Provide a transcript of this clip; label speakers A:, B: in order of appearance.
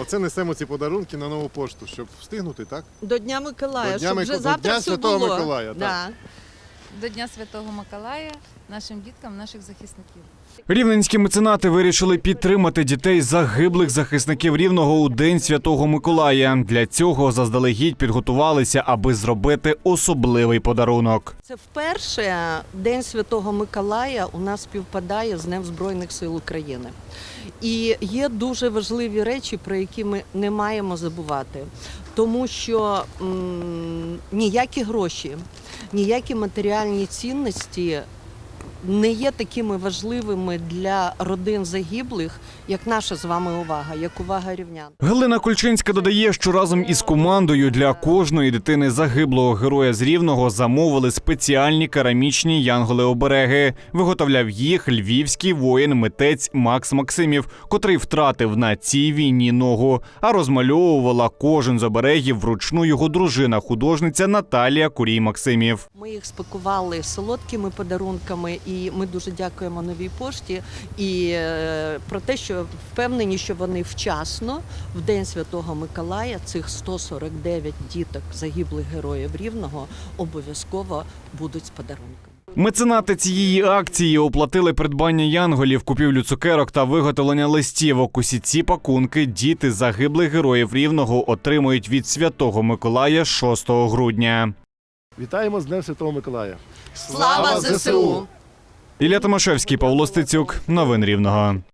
A: Оце несемо ці подарунки на нову пошту, щоб встигнути, так?
B: До Дня Миколая,
A: До
B: щоб вже завтра все
A: Святого
B: було.
A: Миколая, так.
B: Да.
C: До Дня Святого Миколая нашим діткам, наших захисників.
D: Рівненські меценати вирішили підтримати дітей загиблих захисників Рівного у День Святого Миколая. Для цього заздалегідь підготувалися, аби зробити особливий подарунок.
B: Це вперше День Святого Миколая у нас співпадає з Днем Збройних сил України. І є дуже важливі речі, про які ми не маємо забувати. Тому що ніякі гроші, ніякі матеріальні цінності не є такими важливими для родин загиблих, як наша з вами увага, як увага рівнян.
D: Галина Кульчинська додає, що разом із командою для кожної дитини загиблого героя з Рівного замовили спеціальні керамічні янголи-обереги. Виготовляв їх львівський воїн-митець Макс Максимів, котрий втратив на цій війні ногу. А розмальовувала кожен з оберегів вручну його дружина-художниця Наталія Курій-Максимів.
B: Ми їх спакували солодкими подарунками, і ми дуже дякуємо Новій пошті і про те, що впевнені, що вони вчасно в День Святого Миколая цих 149 діток загиблих героїв Рівного обов'язково будуть з подарунками.
D: Меценати цієї акції оплатили придбання янголів, купівлю цукерок та виготовлення листівок. Усі ці пакунки діти загиблих героїв Рівного отримують від Святого Миколая 6 грудня.
E: Вітаємо з Днем Святого Миколая!
B: Слава ЗСУ!
D: Ілля Томашевський, Павло Стецюк. Новини Рівного.